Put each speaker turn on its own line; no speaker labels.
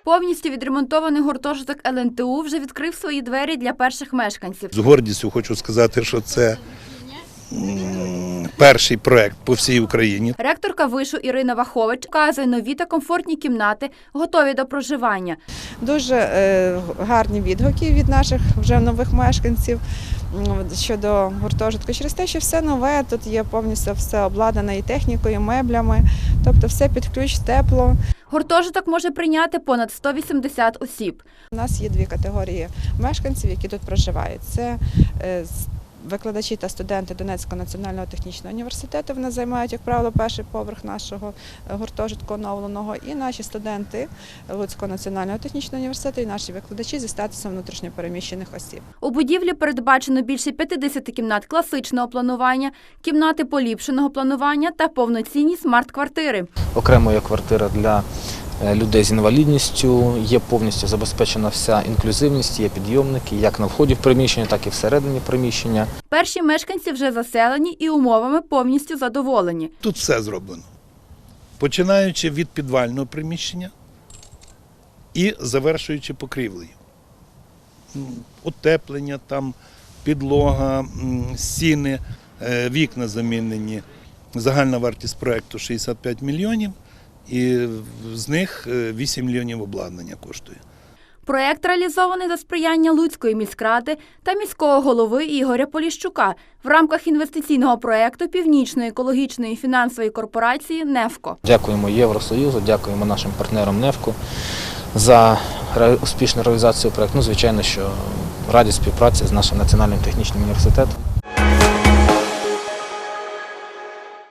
Повністю відремонтований гуртожиток ЛНТУ вже відкрив свої двері для перших мешканців.
З гордістю хочу сказати, що це перший проект по всій Україні.
Ректорка вишу Ірина Вахович вказує нові та комфортні кімнати, готові до проживання.
Дуже гарні відгуки від наших вже нових мешканців щодо гуртожитку. Через те, що все нове, тут є повністю все обладнане і технікою, і меблями, тобто все під ключ, тепло.
Гуртожиток може прийняти понад 180 осіб.
У нас є дві категорії мешканців, які тут проживають. Це викладачі та студенти Донецького національного технічного університету. Вони займають, як правило, перший поверх нашого гуртожитку оновленого. І наші студенти Луцького національного технічного університету, і наші викладачі зі статусом внутрішньопереміщених осіб.
У будівлі передбачено більше 50 кімнат класичного планування, кімнати поліпшеного планування та повноцінні смарт-квартири.
Окремо є квартира для людей з інвалідністю, є повністю забезпечена вся інклюзивність, є підйомники як на вході в приміщення, так і всередині приміщення.
Перші мешканці вже заселені і умовами повністю задоволені.
Тут все зроблено. Починаючи від підвального приміщення і завершуючи покрівлею. Утеплення, там, підлога, стіни, вікна замінені. Загальна вартість проєкту 65 мільйонів. І з них 8 мільйонів обладнання коштує.
Проєкт реалізований за сприяння Луцької міськради та міського голови Ігоря Поліщука в рамках інвестиційного проєкту Північної екологічної фінансової корпорації «Нефко».
Дякуємо Євросоюзу, дякуємо нашим партнерам «Нефко» за успішну реалізацію проєкту. Звичайно, що раді співпраці з нашим національним технічним університетом.